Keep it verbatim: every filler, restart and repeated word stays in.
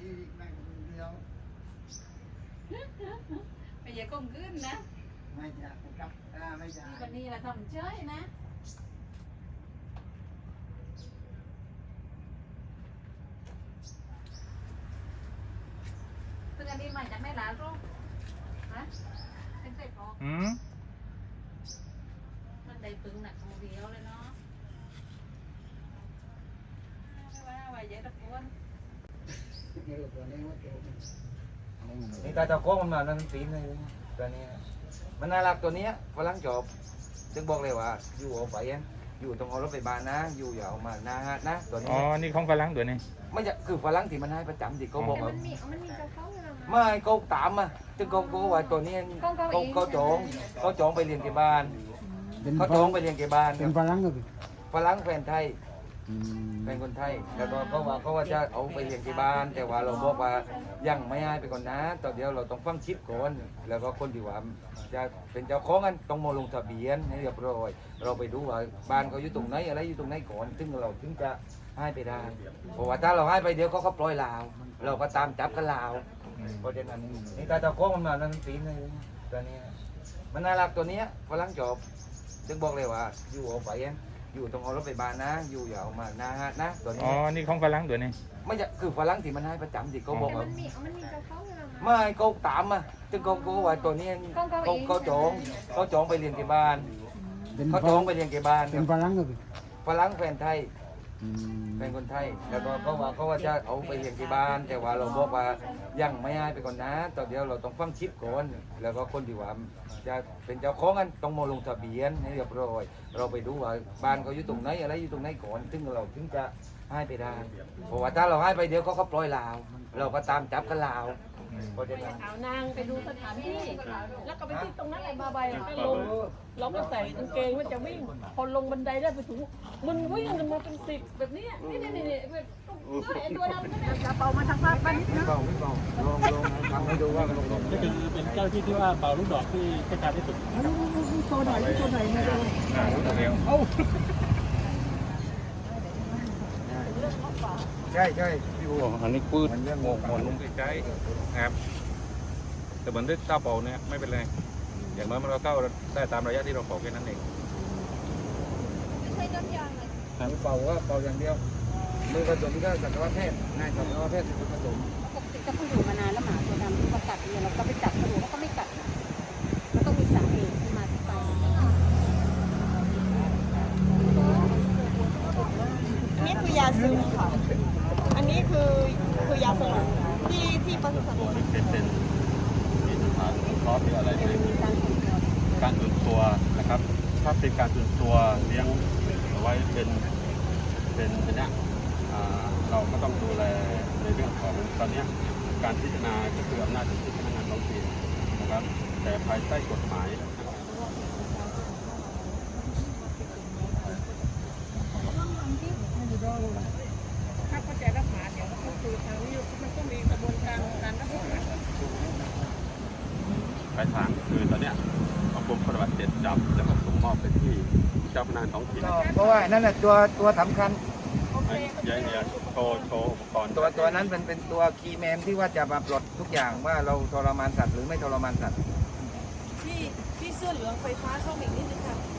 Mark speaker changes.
Speaker 1: ที่แม่งเดียว
Speaker 2: ไม่ใช่กงขึ้นนะ
Speaker 1: ไม่จะกับไม่จะ
Speaker 2: วันนี้เราทำเฉยนะซึ่งอันนี้มาจากไม่หลาลูกฮะเป็นเศษพอ
Speaker 3: อืม
Speaker 2: มันได้ตึงหนักของเดียวเลยเนาะไม่ว่าว่าใหญ่ตะโกน
Speaker 3: นี่ตาเจ้าโค้งมันมานั่นตีนเลยตัวนี้มันน่ารักตัวนี้ฝรั่งจบจึงบอกเลยว่าอยู่เอาไปอยู่ตรงเอารถไปบ้านนะอยู่อย่าเอามาหน้านะตัวนี้
Speaker 4: อ๋อนี่ของฝรั่งตัวนี้
Speaker 3: ไม่จะคือฝรั่งที่มันให้ประจำที่เขาบอกว่า
Speaker 5: มันมีมันมีเจ้าเขาเลยนะ
Speaker 3: ไม่เขาตามมาจึงเขาเขาว่าตัวนี้เขาเขาจองเขาจองไปเรียนที่บ้านเขาจองไปเรียนที่บ้าน
Speaker 1: เป็นฝรั่งก็เป็น
Speaker 3: ฝรั่งแฟนไทยเป็นคนไทยแล้วก็เขาว่าเขาว่าจะเอาไปเลี้ยงที่บ้านแต่ว่าเราบอกว่ายังไม่ให้ไปก่อนนะตอนเดียวเราต้องฟังชิปก่อนแล้วก็คนที่ว่าจะเป็นเจ้าของกันต้องมาลงทะเบียนให้เรียบร้อยเราไปดูว่าบ้านเขาอยู่ตรงไหนอะไรอยู่ตรงไหนก่อนถึงเราถึงจะให้ไปได้เพราะว่าถ้าเราให้ไปเดี๋ยวเขาก็ปล่อยลาวเราก็ตามจับกันลาวเพราะฉะนั้นนี่ตาเจ้าของมันมานั่นตีนเลยตัวนี้มันน่ารักตัวนี้ฝรั่งจบจึงบอกเลยว่าอยู่เอาไปอยู่ตรงเอารถไปบ้านนะอยู่อย่าเอามาหน้านะตัวนี้
Speaker 4: อ๋อนี่ของฝรั่งตัวนี้
Speaker 3: ไม่จะคือฝรั่งที่มันให้ประจำที่เขาบอกว่า
Speaker 5: มันมีมันมีเจ้าเขาเลยนะ
Speaker 3: ไม่เขาตามมาจึงเขาเขาว่าตัวนี้เขาเขาจองเขาจองไปเรียนที่บ้านเขาจองไปเรียนที่บ้าน
Speaker 1: เป็นฝรั่งก็เป็น
Speaker 3: ฝรั่งแฟนไทยเป็นคนไทยแล้วก็เขาว่าเขาว่าจะเอาไปเรียนที่บ้านแต่ว่าเราบอกว่ายังไม่ให้ไปก่อนนะตอนเดียวเราต้องฟังชิปก่อนแล้วก็คนที่ว่าจะเป็นเจ้าของกันต้องมาลงทะเบียนให้เรียบร้อยเราไปดูว่าบ้านเขาอยู่ตรงไหนอะไรอยู่ตรงไหนก่อนถึงเราถึงจะให้ไปได้เพราะว่าถ้าเราให้ไปเดี๋ยวเขาก็ปล่อยลาวเราก็ตามจับกันลาวเพราะฉะนั้น
Speaker 5: เอานางไปดูสถานที่แล้วก็ไปที่ตรงนั้นไอ้บาใบก็ลงเราก็ใส่กางเกงว่าจะวิ่งพอลงบันไดได้ไปถึงมันวิ่งกันมาเป็นสิบแบบนี้นี่นี่นี่ไอ้ตัวนั้นก็เนี่ยจะเป่ามาทางภาคบ้านนิดนึง
Speaker 3: เป่าไม่เป่าลองลองทำให้ดูว่าลงลง
Speaker 6: นี่คือเป็นเจ้าที่ที่ว่าเป่าลูกดอกที่เทศกาลที่สุด
Speaker 1: โชว์หน่อยโชว์หน่อยมาดู
Speaker 3: เอ้าใช่ใช่พี่บัว
Speaker 4: อันนี้ปืน
Speaker 3: มันเรื่อง
Speaker 4: หมกหมอนลงใกล้ๆครับแต่เหมือนด้วยเต้าเป่าเนี่ยไม่เป็นไรอย่างน้อยมันก็เข้าได้ตามระยะที่เราขอแค่นั้นเอง
Speaker 5: ใช้น้ำยางเลย
Speaker 3: เป่าว่าเป่าอย่างเดียวมือผสมก็สัตวแพทย์นายสัตวแพทย์ผสม
Speaker 2: ปกติก็เขาอยู่มานานแล้วหมาตัวดำที่มากัดเนี่ยเราก็ไปจับเขาดูเขาก็ไม่กัดมันต้องมีสาเหตุที่มาที่ไป
Speaker 5: นี่คือยาซึมค่ะอันนี้คือคือยาสลบที่ที่ปศุสัตว์
Speaker 6: เป็นเป็นมีสถานครอบหรืออะไรการตื่นตัวนะครับถ้าเป็นการตื่นตัวเลี้ยงเอาไว้เป็นเป็นเนี้ยเราก็ต้องดูแลในเรื่องของตอนนี้การพิจารณาก็คืออำนาจของที่พนักงานท้องถิ่นนะครับแต่ภายใต้กฎหมาย
Speaker 5: ถ้าเข้าใจรับหมาเดี๋ยวก็คือทางนี้มันก็มีกระบวนการการรับหมา
Speaker 6: ปลายทางคือตอนเนี้ยเอากรมปฏิบัติเสร็จจับแล้วก็ส่งมอบไปที่เจ้าพนักงานท้องถิ่น
Speaker 3: เพราะว่านั่นแหละตัวตัวสำคัญ
Speaker 6: ยัยยัยโชว์โชว์อุปกรณ์
Speaker 3: ตัวตัวนั้นเป็นเป็นตัวคีย์แมนที่ว่าจะมาปลดทุกอย่างว่าเราทรมานสัตว์หรือไม่ทรมานสัตว์
Speaker 5: ที่ที่เสื้อเหลืองไฟฟ้าเข้ามาอีกนิดนึงค่ะ